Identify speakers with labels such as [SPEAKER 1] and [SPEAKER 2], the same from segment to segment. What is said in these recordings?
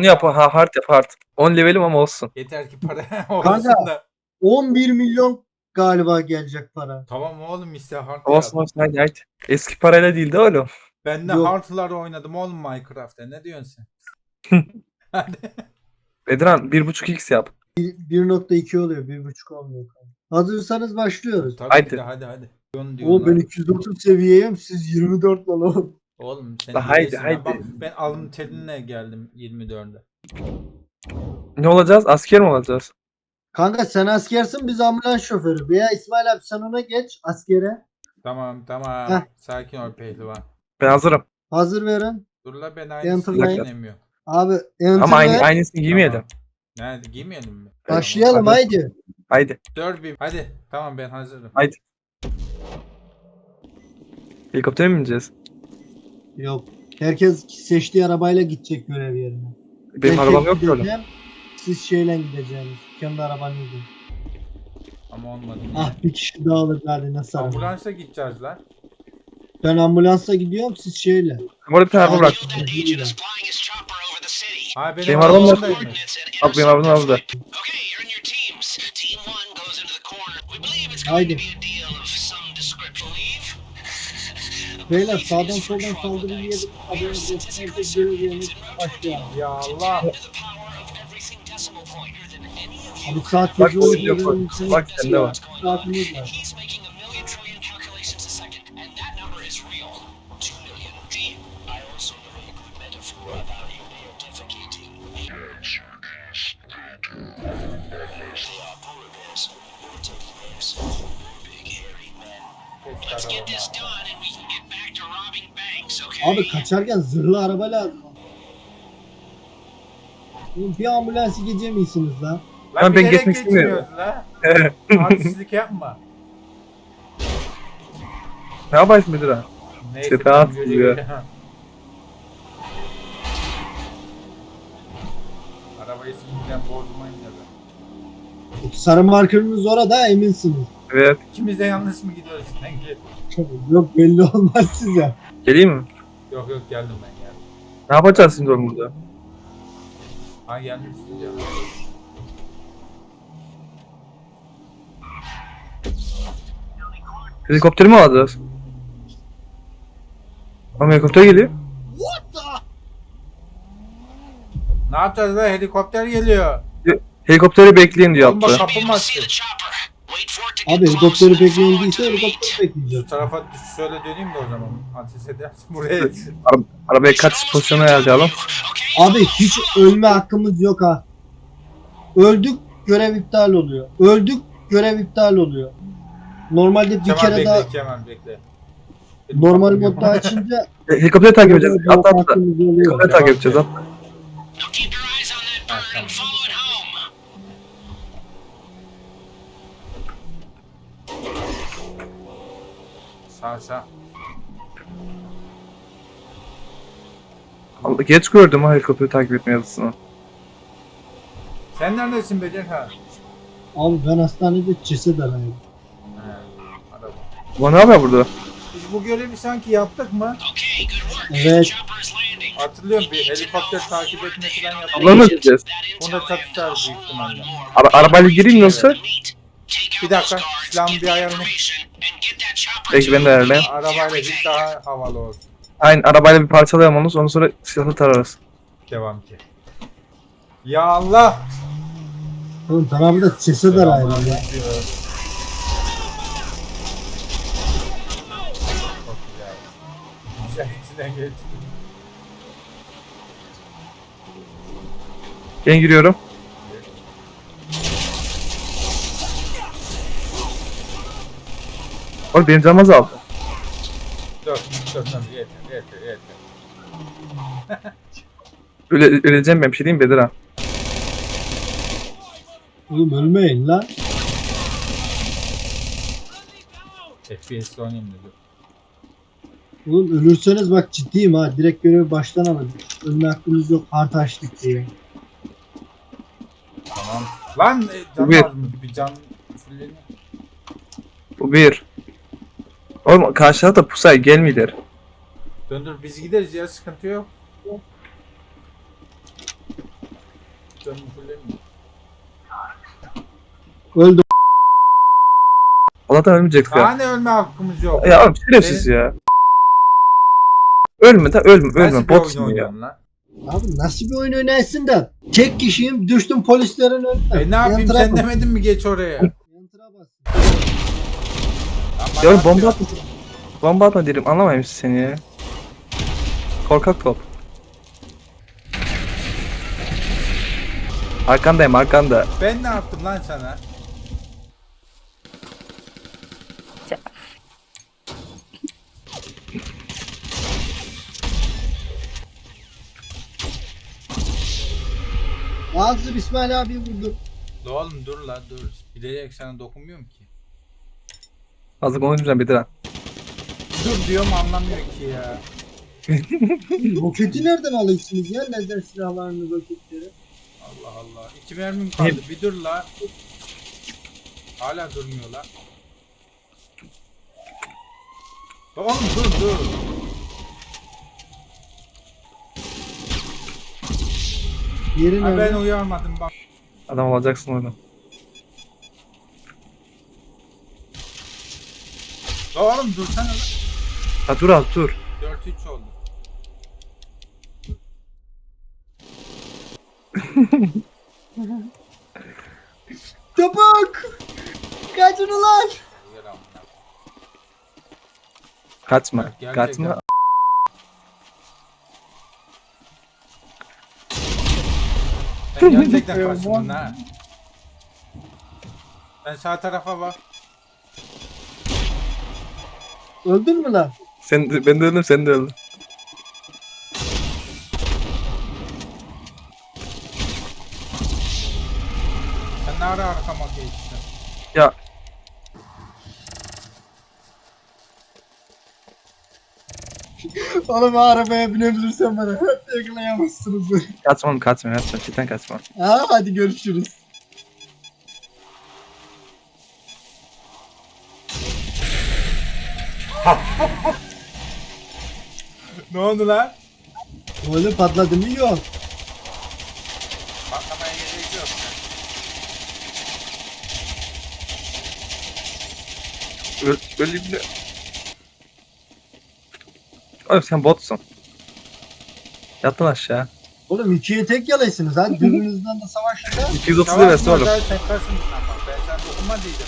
[SPEAKER 1] Onu yap. Hard yap hard. 10 levelim ama olsun.
[SPEAKER 2] Yeter ki para olsun da.
[SPEAKER 3] 11 milyon galiba gelecek para.
[SPEAKER 2] Tamam oğlum işte hard
[SPEAKER 1] Olsun
[SPEAKER 2] yap.
[SPEAKER 1] olsun hadi hadi. Eski parayla değil de oğlum.
[SPEAKER 2] Ben de
[SPEAKER 3] Yok.
[SPEAKER 2] hard'lar oynadım oğlum Minecraft'ta. Ne diyorsun sen? Hadi.
[SPEAKER 1] Bedran 1.5x yap.
[SPEAKER 3] 1.2 oluyor, 1.5 olmuyor. Hazırsanız başlıyoruz.
[SPEAKER 2] Tabii
[SPEAKER 1] Haydi.
[SPEAKER 2] ki de hadi. Onu
[SPEAKER 3] O
[SPEAKER 2] diyorlar.
[SPEAKER 3] ben 230 seviyeyim, siz 24 lan oğlum.
[SPEAKER 2] Oğlum sen
[SPEAKER 1] La haydi,
[SPEAKER 2] iyisin lan.
[SPEAKER 1] haydi.
[SPEAKER 2] Bak ben alın terine geldim 24'e.
[SPEAKER 1] Ne olacağız? Asker mi olacağız?
[SPEAKER 3] Kanka sen askersin, biz ambulans şoförü. Veya İsmail abi sen ona geç askere.
[SPEAKER 2] Tamam.
[SPEAKER 3] Heh.
[SPEAKER 2] Sakin ol pehlivan.
[SPEAKER 1] Ben hazırım.
[SPEAKER 3] Hazır verin.
[SPEAKER 2] Dur la ben
[SPEAKER 3] Enter'layın.
[SPEAKER 2] aynısını giyinemiyorum.
[SPEAKER 3] Abi enter
[SPEAKER 1] Ama
[SPEAKER 3] ver.
[SPEAKER 1] aynısını giymeyelim.
[SPEAKER 2] Tamam. Nerede giymeyelim mi?
[SPEAKER 3] Başlayalım
[SPEAKER 1] Hadi.
[SPEAKER 3] haydi.
[SPEAKER 1] Haydi.
[SPEAKER 2] 4 hadi. Tamam ben hazırım.
[SPEAKER 1] Haydi. Helikoptere mi bineceğiz?
[SPEAKER 3] Yok. Herkes seçtiği arabayla gidecek görev yerine.
[SPEAKER 1] Benim
[SPEAKER 3] Ben
[SPEAKER 1] arabam
[SPEAKER 3] tek
[SPEAKER 1] yok ki oğlum.
[SPEAKER 3] gideceğim, siz şeyle gideceğiniz. Kendi arabanızla.
[SPEAKER 2] Ama olmadı.
[SPEAKER 3] Ah bir kişi daha alır hadi nasıl araba.
[SPEAKER 2] Ambulansa gideceğiz lan.
[SPEAKER 3] Ben ambulansla gidiyorum, siz şeyle.
[SPEAKER 1] Orada bir tane araba bırak.
[SPEAKER 2] Ha benim
[SPEAKER 1] Benim arabam yok.
[SPEAKER 2] arabamdaymış.
[SPEAKER 1] Abi benim arabam orada.
[SPEAKER 3] Haydi. Beyler sağdan soldan saldırı yiyelim. Haberiniz olsun. Herkes görev yerine başlayalım.
[SPEAKER 2] Ya Allah.
[SPEAKER 3] Abi saat
[SPEAKER 1] Bak,
[SPEAKER 3] gece
[SPEAKER 1] oyun yok,
[SPEAKER 3] 12'de
[SPEAKER 1] bak sende var.
[SPEAKER 3] saatimiz var. Abi kaçarken zırhlı araba lazım. Oğlum bir ambulansı geçemeyesiniz lan.
[SPEAKER 1] Lan ben geçmek istemiyorum.
[SPEAKER 2] Artistlik yapma.
[SPEAKER 1] Ne yaparsın Bedran?
[SPEAKER 2] Neyse.
[SPEAKER 1] İşte rahat oluyor.
[SPEAKER 2] Arabayı şimdiden bozmayın ya da.
[SPEAKER 3] Sarı markerınız orada eminsiniz.
[SPEAKER 1] Evet.
[SPEAKER 2] İkimiz de yanlış mı gidiyoruz sanki?
[SPEAKER 3] Yok belli olmaz size.
[SPEAKER 1] Geleyim mi?
[SPEAKER 2] Yok geldim ben geldim.
[SPEAKER 1] Ne yapacağız şimdi oğlum burada?
[SPEAKER 2] Ha gelmişsiniz ya.
[SPEAKER 1] Helikopteri mi alacağız? Ama helikopter geliyor.
[SPEAKER 2] Ne yapacağız lan? Helikopter geliyor.
[SPEAKER 1] Helikopteri bekleyin diyor
[SPEAKER 2] Oğlum bak
[SPEAKER 1] atlı.
[SPEAKER 2] kapı mı açtı?
[SPEAKER 3] Abi helikopteri bekleyildiyse helikopter bekleyeceğiz.
[SPEAKER 2] Şu tarafa şöyle döneyim de o zaman. Ateş edersin buraya.
[SPEAKER 1] Arabaya kaç pozisyonu ayarlayalım.
[SPEAKER 3] Abi hiç ölme hakkımız yok ha. Öldük görev iptal oluyor. Öldük görev iptal oluyor. Normalde bir
[SPEAKER 2] Kemal
[SPEAKER 3] kere
[SPEAKER 2] bekle,
[SPEAKER 3] daha
[SPEAKER 2] Kemal bekle.
[SPEAKER 3] normal modda açınca
[SPEAKER 1] Helikopteri takip edeceğiz. Atla atla.
[SPEAKER 3] hakkımız oluyor.
[SPEAKER 1] Helikopteri takip edeceğiz atla.
[SPEAKER 2] Ha, tamam. Sağ.
[SPEAKER 1] Allah, geç gördüm ha helikopteri takip etme yazısını.
[SPEAKER 2] Sen neredesin Becek ha?
[SPEAKER 3] Abi ben hastanede ceset arıyorum.
[SPEAKER 2] Araba.
[SPEAKER 1] Bu ne yapıyor burada?
[SPEAKER 2] Biz bu görevi sanki yaptık mı?
[SPEAKER 3] Evet.
[SPEAKER 2] Hatırlıyorum bir helikopter takip etme falan yaptık.
[SPEAKER 1] Abla mı gideceğiz?
[SPEAKER 2] Bunda çatışlar büyük ihtimalle.
[SPEAKER 1] Arabayla gireyim mi yoksa?
[SPEAKER 2] Bir dakika, silahımı bir ayarını.
[SPEAKER 1] Peki ben de ayarlayayım.
[SPEAKER 2] Arabayla git daha havalı olsun.
[SPEAKER 1] Aynen arabayla bir parçalayalım onu ondan sonra silahla tararız.
[SPEAKER 2] Devam ki. Ya Allah!
[SPEAKER 3] Oğlum tamam da ceset arıyorum ya.
[SPEAKER 2] Çok güzel. Güzel içinden geçti.
[SPEAKER 1] Ben giriyorum. Oğlum benim canım azaldı.
[SPEAKER 2] Dur, yeter.
[SPEAKER 1] Öleceğim ben bir şey diyeyim mi Bedir ha?
[SPEAKER 3] Oğlum ölmeyin lan.
[SPEAKER 2] FPS'le oynayayım dedi.
[SPEAKER 3] Oğlum ölürseniz bak ciddiyim ha. Direkt görevi baştan alın. Ölme hakkımız yok. Hard açtık diye.
[SPEAKER 2] Tamam. Lan can
[SPEAKER 1] Bir.
[SPEAKER 2] lazım bir can fulleniyor.
[SPEAKER 1] Bu bir. Oğlum karşıda da pusay gelmiyor.
[SPEAKER 2] Döndür biz gideriz ya sıkıntı yok. Canım fullemiyor.
[SPEAKER 3] Öldü.
[SPEAKER 1] Allah'tan ölmeyecektik ya.
[SPEAKER 2] Hani ölme hakkımız yok.
[SPEAKER 1] Ya oğlum şerefsiz ya. Ölme de ölme
[SPEAKER 2] Nasıl
[SPEAKER 1] ölme.
[SPEAKER 2] bir oyun
[SPEAKER 1] Botsun ya.
[SPEAKER 2] oynuyorsun lan?
[SPEAKER 3] Abi nasıl bir oyun oynarsın da? Tek kişiyim düştüm polislerin önüne.
[SPEAKER 2] Ne yapayım
[SPEAKER 3] Yantıra
[SPEAKER 2] sen
[SPEAKER 3] bas.
[SPEAKER 2] demedin mi geç oraya?
[SPEAKER 3] Yantıra bas.
[SPEAKER 2] Ama
[SPEAKER 1] Ya
[SPEAKER 2] ne
[SPEAKER 1] oğlum bomba
[SPEAKER 2] yapıyorsun?
[SPEAKER 1] atma. Bomba atma derim anlamayayım seni ya. Korkak top. Arkandayım arkanda.
[SPEAKER 2] Ben ne yaptım lan sana?
[SPEAKER 3] Ağzı İsmail abi vurdu.
[SPEAKER 2] La oğlum dur la dur. Bilerek sana dokunmuyorum ki.
[SPEAKER 1] Azıcık konuşmayacağım Bediren.
[SPEAKER 2] Dur diyorum anlamıyor ki ya.
[SPEAKER 3] Roketi nereden alıyorsunuz ya? Lazer silahlarını roketleri.
[SPEAKER 2] Allah Allah. 2 mermim kaldı. Bir dur la. Hala durmuyor la. La oğlum dur.
[SPEAKER 3] Yerin
[SPEAKER 2] Ha, ben
[SPEAKER 3] nerede?
[SPEAKER 2] uyarmadım bak.
[SPEAKER 1] Adam olacaksın orada.
[SPEAKER 2] La oğlum dursana la.
[SPEAKER 1] Ha dur az dur.
[SPEAKER 2] 4-3 oldu.
[SPEAKER 3] Çabuk! Kaçın ulan!
[SPEAKER 2] Yer amına.
[SPEAKER 1] Kaçma.
[SPEAKER 2] Gerçekten.
[SPEAKER 1] Kaçma.
[SPEAKER 2] Sen gerçekten kaçtın ha. Ben sağ tarafa bak.
[SPEAKER 3] Öldün mü lan?
[SPEAKER 1] Ben de öldüm sen de öldün.
[SPEAKER 2] Sen ne ara arkama geçtin?
[SPEAKER 1] Ya
[SPEAKER 3] Oğlum arabaya binebilirsen bana yakalayamazsınız beni.
[SPEAKER 1] kaçma. Cidden kaçma.
[SPEAKER 3] Ha hadi görüşürüz.
[SPEAKER 2] Ne oldu lan?
[SPEAKER 3] Öyle patladı mı yok.
[SPEAKER 2] Patlamaya gerek yok.
[SPEAKER 1] Öleyim de. Oğlum sen botsun. Yattın aşağı.
[SPEAKER 3] Oğlum ikiye tek yalaysınız ha. Birbirinizden de savaşın ha.
[SPEAKER 1] 230 lirası oğlum.
[SPEAKER 2] Sen kaçın lan bak. Ben sana dokunma diyeceğim.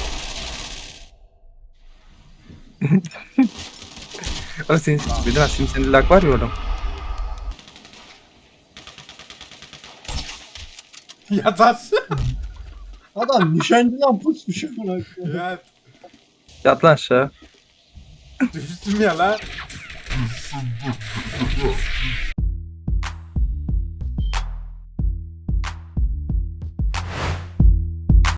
[SPEAKER 1] Oğlum senin Bediren şimdi senin lag var ya oğlum.
[SPEAKER 2] Yatarsın.
[SPEAKER 3] Adam nişancıdan pusmuş amına koyayım.
[SPEAKER 2] Ya
[SPEAKER 1] Yat lan aşağı.
[SPEAKER 2] düştüm ya lan.